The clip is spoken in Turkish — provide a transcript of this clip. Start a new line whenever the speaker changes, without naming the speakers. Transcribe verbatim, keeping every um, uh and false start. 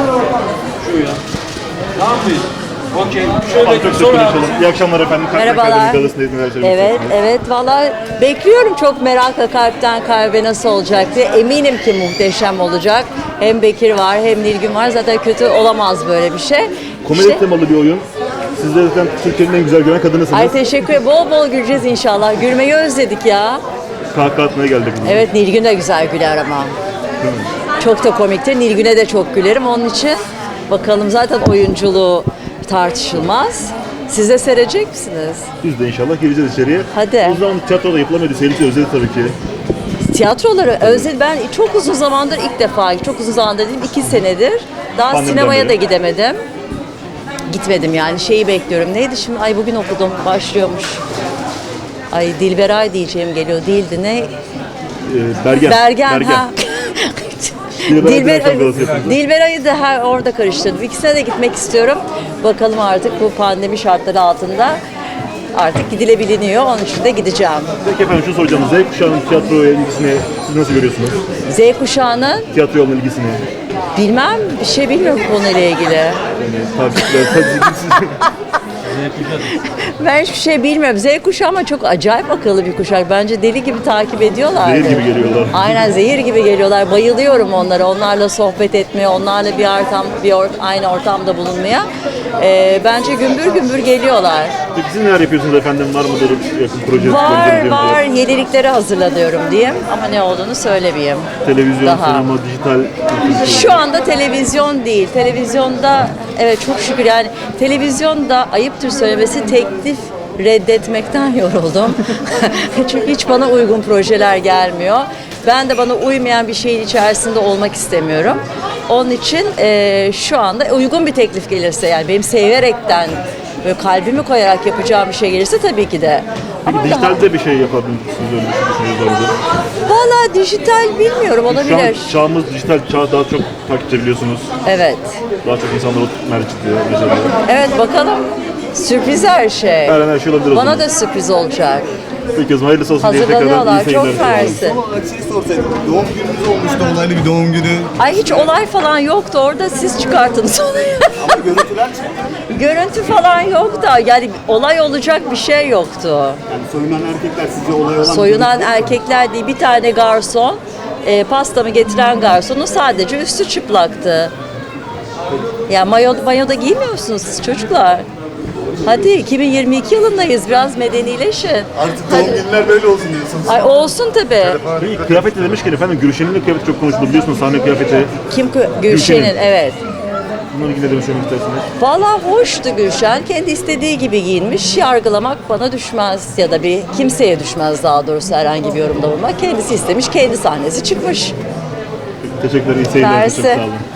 Şu ya. Ne yapıyorsun? Okey. Şöyle
Çok
sonra
teşekkür ederim. İyi akşamlar efendim. Kalp
Merhabalar.
Akademi Galası'ndaydınız, neler söylemek
Evet,
istersiniz?
evet. Valla bekliyorum çok merakla kalpten kalbe nasıl olacak diye. Eminim ki muhteşem olacak. Hem Bekir var hem Nilgün var. Zaten kötü olamaz böyle bir şey.
Komedi
İşte-
temalı bir oyun. Siz de zaten Türkiye'nin en güzel gören kadınısınız.
Ay teşekkür ederim. Bol bol güleceğiz inşallah. Gülmeyi özledik ya.
Kahkaha atmaya geldik. bugün.
Evet, Nilgün de güzel güler ama. Çok da komiktir. Nilgün'e de çok gülerim. Onun için bakalım, zaten oyunculuğu tartışılmaz. Siz de seyredecek misiniz?
Biz de inşallah gireceğiz içeriye.
Hadi.
O zaman tiyatroda yapılamaydı. Seyirci özledi tabii ki.
Tiyatroları özledim. Ben çok uzun zamandır ilk defa, çok uzun zamandır dedim iki senedir. Daha
Pandemiden
sinemaya
beri.
da gidemedim. Gitmedim yani, şeyi bekliyorum. Neydi şimdi? Ay bugün okudum, başlıyormuş. Ay Dilberay diyeceğim geliyor. Değildi ne?
Ee, Bergen.
Bergen, ha.
Dilberay
Dilber,
Dilberay Galası'nı yapıyoruz.
Dilberay'ı da ha, orada karıştırdım. İkisine de gitmek istiyorum. Bakalım artık bu pandemi şartları altında artık gidilebiliniyor. Onun için de gideceğim.
Peki efendim şunu soracağım. Z kuşağının tiyatroya ilgisini siz nasıl görüyorsunuz?
Z kuşağının
Tiyatroya olan ilgisini.
bilmem, bir şey bilmiyorum konuyla ilgili.
Yani takipçiler, takipçiler.
Ben hiçbir şey bilmiyorum. Z kuşağı ama çok acayip akıllı bir kuşak. Bence deli gibi takip ediyorlar.
Zehir gibi geliyorlar.
Aynen, zehir gibi geliyorlar. Bayılıyorum onlara. Onlarla sohbet etmeye, onlarla bir ortam, bir or- aynı ortamda bulunmaya. Ee, bence gümbür gümbür geliyorlar.
Peki siz neler yapıyorsunuz efendim? Var mıdır yakın proje?
Var
proje-
var, yenilikleri hazırlanıyorum diyeyim ama ne olduğunu söylemeyeyim.
Televizyon,
Daha.
sinema, dijital.
Şu anda televizyon değil. Televizyonda evet çok şükür, yani televizyonda ayıptır söylemesi teklif reddetmekten yoruldum. Çünkü hiç bana uygun projeler gelmiyor. Ben de bana uymayan bir şeyin içerisinde olmak istemiyorum. Onun için e, şu anda uygun bir teklif gelirse, yani benim severekten böyle kalbimi koyarak yapacağım bir şey gelirse tabii ki de.
Peki
Ama
dijitalde bir şey yapabilirsiniz, öyle düşünüyorsunuz orada.
valla dijital bilmiyorum,
Şu an
olabilir.
çağımız dijital çağ, daha çok takipçi biliyorsunuz.
Evet.
Daha çok insanlar o merkezde yaşanıyor.
Evet, bakalım. Sürpriz her şey.
Her an her şey olabilir o
Bana
zaman.
da sürpriz olacak.
Peki o zaman hayırlısı olsun diye tekrardan iyi
Hazırlanıyorlar.
seyirler.
Çok mersi.
Ama şey sorsaydım, doğum gününüz olmuştu, olaylı bir doğum günü.
Ay hiç olay falan yoktu orada, siz çıkarttınız olayı.
Ama görüntüler çıktı.
Görüntü falan yok da, yani olay olacak bir şey yoktu.
Yani soyunan erkekler sizce olay olan...
Soyunan erkekler değil, bir tane garson, e, pastamı getiren garsonun sadece üstü çıplaktı. Ya mayo, mayo da giymiyor musunuz siz çocuklar? Hadi iki bin yirmi iki yılındayız, biraz medenileşin.
Artık doğum günler böyle olsun diyorsunuz.
Ay olsun tabii.
Peki kıyafet de demişken efendim Gülşen'in de kıyafeti çok konuşuldu biliyorsunuz, sahne kıyafeti.
Kim? Gülşen'in,
Gülşen'in.
evet.
Bununla ilgili ne demek söylemek istersiniz?
Valla hoştu Gülşen. Kendi istediği gibi giyinmiş. Yargılamak bana düşmez ya da bir kimseye düşmez, daha doğrusu herhangi bir yorumda bulunmak. Kendisi istemiş, kendi sahnesi çıkmış.
Teşekkürler, iyi seyirler. Çok
Mersi.
sağ olun.